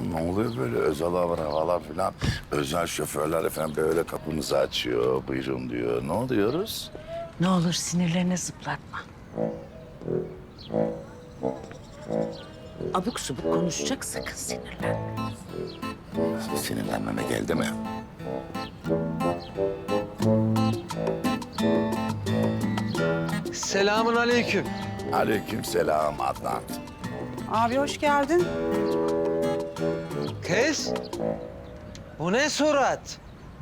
ne oluyor böyle özel havalar falan? Özel şoförler efendim böyle kapımızı açıyor. Buyurun diyor. Ne oluyoruz? Ne olur sinirlerini zıplatma. Abuk subuk konuşacak, sakın sinirlenme. Sinirlenmeme geldi mi? Selamun aleyküm. Aleykümselam Adnan. Abi hoş geldin. Kız, bu ne surat?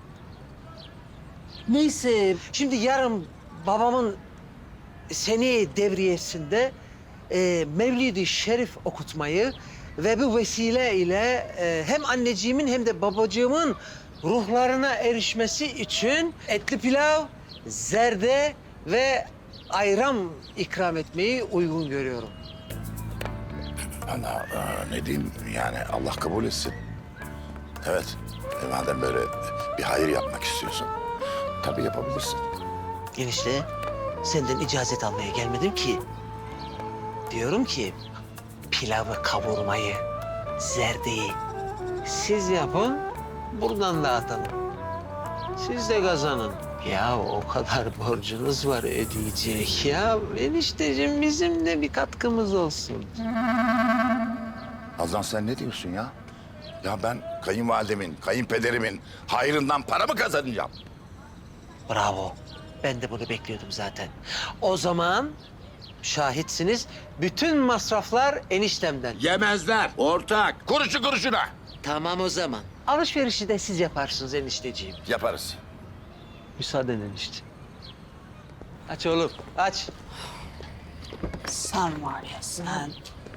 Neyse, Şimdi yarın babamın seni devriyesinde Mevlid-i Şerif okutmayı ve bu vesile ile hem anneciğimin hem de babacığımın ruhlarına erişmesi için etli pilav, zerde ve ayran ikram etmeyi uygun görüyorum. Bana ne diyeyim yani Allah kabul etsin. Evet. Madem böyle bir hayır yapmak istiyorsun. Tabii yapabilirsin. Enişte, senden icazet almaya gelmedim ki. Diyorum ki, pilavı kavurmayı, zerdeyi siz yapın, buradan dağıtalım. Siz de kazanın. Ya o kadar borcunuz var ödeyecek ya. Enişteciğim bizim de bir katkımız olsun. Azlan sen ne diyorsun ya? Ya ben kayınvalidemin, kayınpederimin hayrından para mı kazanacağım? Bravo. Ben de bunu bekliyordum zaten. O zaman şahitsiniz. Bütün masraflar eniştemden. Yemezler. Ortak. Kuruşu kuruşuna. Tamam o zaman. Alışverişi de siz yaparsınız enişteciğim. Yaparız. Müsaaden enişte. Aç oğlum, aç. Sen var ya sen.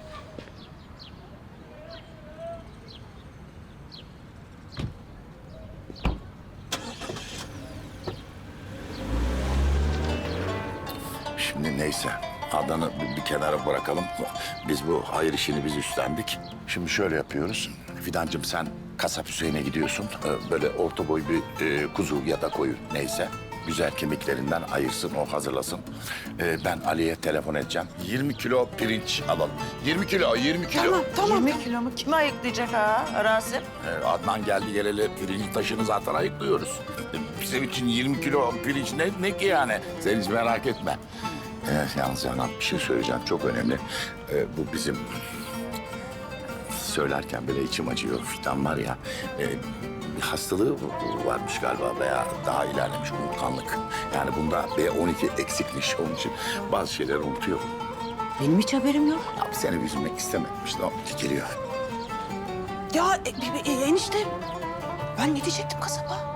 Şimdi neyse. Adnan'ı bir kenara bırakalım. Biz bu hayır işini biz üstlendik. Şimdi şöyle yapıyoruz. Fidancığım sen kasap Hüseyin'e gidiyorsun. Böyle orta boy bir kuzu ya da koyun neyse. Güzel kemiklerinden ayırsın, o hazırlasın. Ben Ali'ye telefon edeceğim. 20 kilo pirinç alalım. 20 kilo, 20 kilo. Tamam. 20 kilo mu? Kim ayıklayacak ha Rasim? Adnan geldi geleli pirinç taşını zaten ayıklıyoruz. Bizim için 20 kilo pirinç ne ki yani? Sen hiç merak etme. Yalnız Canan bir şey söyleyeceğim çok önemli. Bu bizim söylerken bile içim acıyor. Fidan var ya bir hastalığı varmış galiba veya daha ilerlemiş unutkanlık. Yani bunda B12 eksikmiş onun için bazı şeyleri unutuyor. Benim hiç haberim yok. Ya seni üzülmek istemedim işte o geliyor. Ya enişte ben ne diyecektim kasaba?